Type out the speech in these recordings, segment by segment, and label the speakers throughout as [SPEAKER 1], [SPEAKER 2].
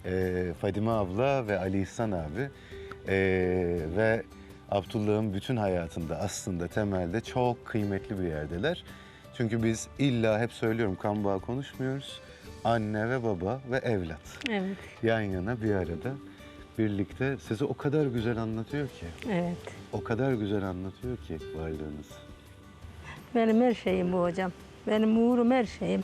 [SPEAKER 1] Fadime abla ve Ali İhsan abi ve Abdullah'ın bütün hayatında aslında temelde çok kıymetli bir yerdeler. Çünkü biz illa hep söylüyorum kan bağı konuşmuyoruz. Anne ve baba ve evlat.
[SPEAKER 2] Evet,
[SPEAKER 1] Yan yana bir arada birlikte sizi o kadar güzel anlatıyor ki.
[SPEAKER 2] evet.
[SPEAKER 1] O kadar güzel anlatıyor ki varlığınız.
[SPEAKER 2] Benim her şeyim bu hocam. Benim uğurum her şeyim.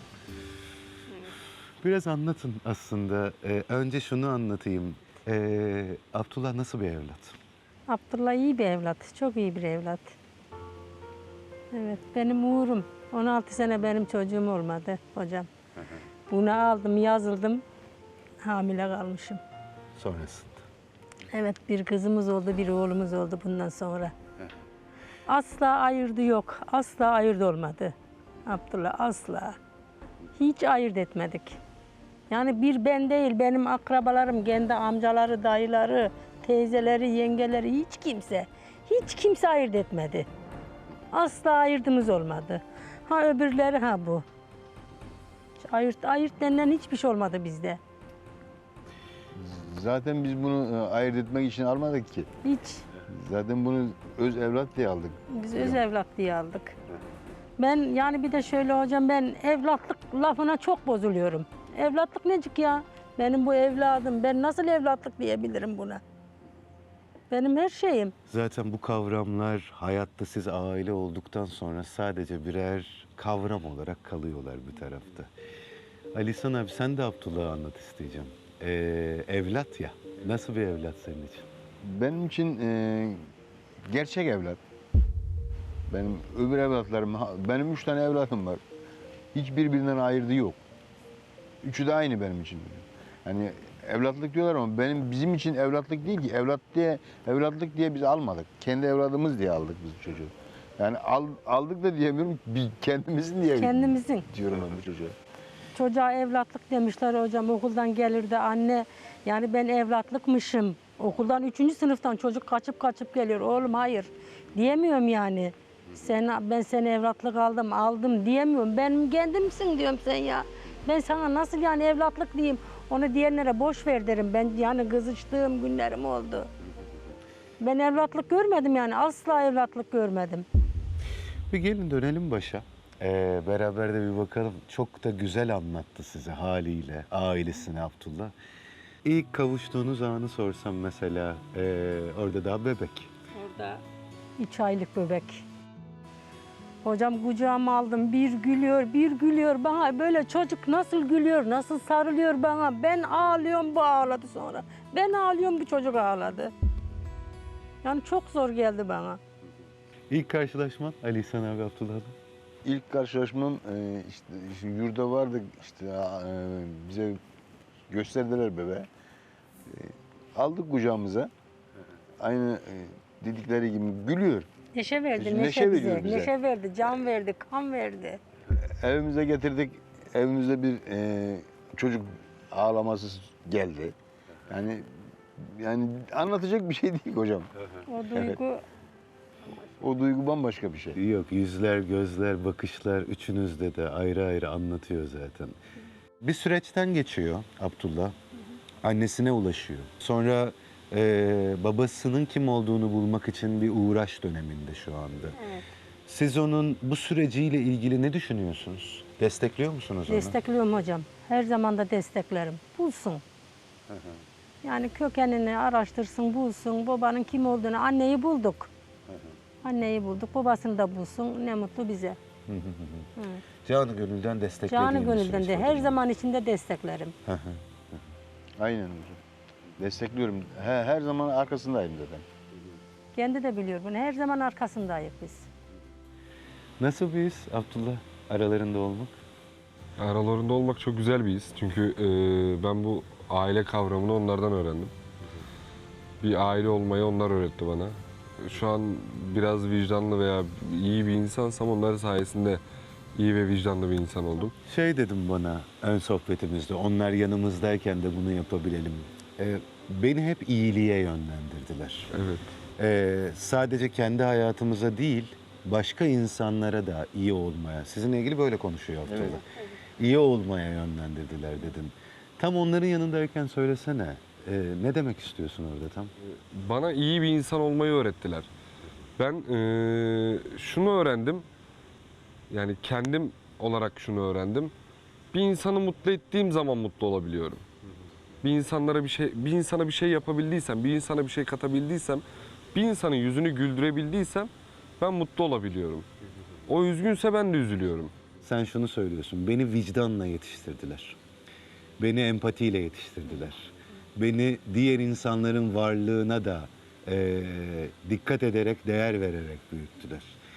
[SPEAKER 1] Biraz anlatın aslında. Önce şunu anlatayım. Abdullah nasıl bir evlat?
[SPEAKER 2] Abdullah iyi bir evlat, çok iyi bir evlat. Evet, benim uğurum. 16 sene benim çocuğum olmadı hocam. Bunu aldım, yazıldım, hamile kalmışım.
[SPEAKER 1] Sonrasında.
[SPEAKER 2] Evet, bir kızımız oldu, bir oğlumuz oldu bundan sonra. Asla ayırdı yok, asla ayırt olmadı. Abdullah asla. Hiç ayırt etmedik. Yani bir ben değil, benim akrabalarım, kendi amcaları, dayıları, teyzeleri, yengeleri, hiç kimse ayırt etmedi. Asla ayırdığımız olmadı. Ha öbürleri ha bu. Hiç ayırt denilen hiçbir şey olmadı bizde.
[SPEAKER 3] Zaten biz bunu ayırt etmek için almadık ki.
[SPEAKER 2] Hiç.
[SPEAKER 3] Zaten bunu öz evlat diye aldık.
[SPEAKER 2] Biz öz evlat diye aldık. Ben yani bir de şöyle hocam, ben evlatlık lafına çok bozuluyorum. Evlatlık necik ya? Benim bu evladım. Ben nasıl evlatlık diyebilirim buna? Benim her şeyim.
[SPEAKER 1] Zaten bu kavramlar hayatta siz aile olduktan sonra sadece birer kavram olarak kalıyorlar bir tarafta. Ali İhsan abi sen de Abdullah'ı anlat isteyeceğim. Evlat ya. Nasıl bir evlat senin için?
[SPEAKER 3] Benim için gerçek evlat. Benim öbür evlatlarım, benim 3 tane evlatım var. Hiç birbirinden ayırdığı yok. Üçü de aynı benim için. Yani evlatlık diyorlar ama bizim için evlatlık değil ki. Evlatlık diye biz almadık. Kendi evladımız diye aldık biz bu çocuğu. Yani aldık da diyemiyorum, biz kendimizin diye
[SPEAKER 2] Kendimizin.
[SPEAKER 3] diyorum ben bu çocuğa.
[SPEAKER 2] Çocuğa evlatlık demişler hocam. Okuldan gelirdi anne. Yani ben evlatlıkmışım. Okuldan 3. sınıftan çocuk kaçıp geliyor. Oğlum hayır diyemiyorum yani. Ben seni evlatlık aldım diyemiyorum. Benim kendimsin diyorum sen ya. Ben sana nasıl yani evlatlık diyeyim. Onu diyenlere boş ver derim. Ben yani kızıştığım günlerim oldu. Ben evlatlık görmedim yani. Asla evlatlık görmedim.
[SPEAKER 1] Bir gelin dönelim başa. Beraber de bir bakalım. Çok da güzel anlattı size haliyle, ailesini Abdullah. İlk kavuştuğunuz anı sorsam mesela, orada daha bebek.
[SPEAKER 2] Orada 3 aylık bebek. Hocam kucağıma aldım, bir gülüyor bana. Böyle çocuk nasıl gülüyor, nasıl sarılıyor bana. Ben ağlıyorum, bu ağladı sonra. Ben ağlıyorum, bu çocuk ağladı. Yani çok zor geldi bana.
[SPEAKER 1] İlk karşılaşman Ali İhsan abi Abdullah'la.
[SPEAKER 3] İlk karşılaşmam işte yurda vardık işte bize gösterdiler bebeği. Aldık kucağımıza. Aynı dedikleri gibi gülüyor.
[SPEAKER 2] Neşe verdi,
[SPEAKER 3] Neşe
[SPEAKER 2] neşe
[SPEAKER 3] veriyor
[SPEAKER 2] bize.
[SPEAKER 3] bize.
[SPEAKER 2] Neşe verdi, can verdi, kan verdi.
[SPEAKER 3] Evimize getirdik. Evimizde bir çocuk ağlaması geldi. Yani anlatacak bir şey değil hocam.
[SPEAKER 2] O duygu
[SPEAKER 3] O duygu bambaşka bir şey.
[SPEAKER 1] Yok, yüzler, gözler, bakışlar üçünüzde de ayrı ayrı anlatıyor zaten. Bir süreçten geçiyor Abdullah. Annesine ulaşıyor. Sonra babasının kim olduğunu bulmak için bir uğraş döneminde şu anda.
[SPEAKER 2] Evet.
[SPEAKER 1] Siz onun bu süreciyle ilgili ne düşünüyorsunuz? Destekliyor musunuz onu?
[SPEAKER 2] Destekliyorum hocam. Her zaman da desteklerim. Bulsun. Yani kökenini araştırsın, bulsun. Babanın kim olduğunu, anneyi bulduk. Anneyi bulduk, babasını da bulsun. Ne mutlu bize.
[SPEAKER 1] Canı gönülden desteklediğiniz
[SPEAKER 2] Canı gönülden de
[SPEAKER 1] süreç
[SPEAKER 2] her
[SPEAKER 1] var.
[SPEAKER 2] zaman içinde desteklerim.
[SPEAKER 3] Aynen hocam. Destekliyorum. Her zaman arkasındayım zaten.
[SPEAKER 2] Kendi de biliyor bunu. Her zaman arkasındayız biz.
[SPEAKER 1] Nasıl bir his Abdullah aralarında olmak?
[SPEAKER 4] Aralarında olmak çok güzel bir his. Çünkü ben bu aile kavramını onlardan öğrendim. Bir aile olmayı onlar öğretti bana. Şu an biraz vicdanlı veya iyi bir insansam onlar sayesinde iyi ve vicdanlı bir insan oldum.
[SPEAKER 1] Şey dedim bana ön sohbetimizde, onlar yanımızdayken de bunu yapabilelim. Beni hep iyiliğe yönlendirdiler.
[SPEAKER 4] Evet.
[SPEAKER 1] Sadece kendi hayatımıza değil, başka insanlara da iyi olmaya, sizinle ilgili böyle konuşuyor Abdullah.
[SPEAKER 3] Evet.
[SPEAKER 1] İyi olmaya yönlendirdiler dedin. Tam onların yanındayken söylesene. Ne demek istiyorsun orada tam?
[SPEAKER 4] Bana iyi bir insan olmayı öğrettiler. Ben şunu öğrendim. Yani kendim olarak şunu öğrendim. Bir insanı mutlu ettiğim zaman mutlu olabiliyorum. Bir insana bir şey yapabildiysem, bir insana bir şey katabildiysem, bir insanın yüzünü güldürebildiysem ben mutlu olabiliyorum. O üzgünse ben de üzülüyorum.
[SPEAKER 1] Sen şunu söylüyorsun. Beni vicdanla yetiştirdiler. Beni empatiyle yetiştirdiler. Beni diğer insanların varlığına da dikkat ederek, değer vererek büyüttüler.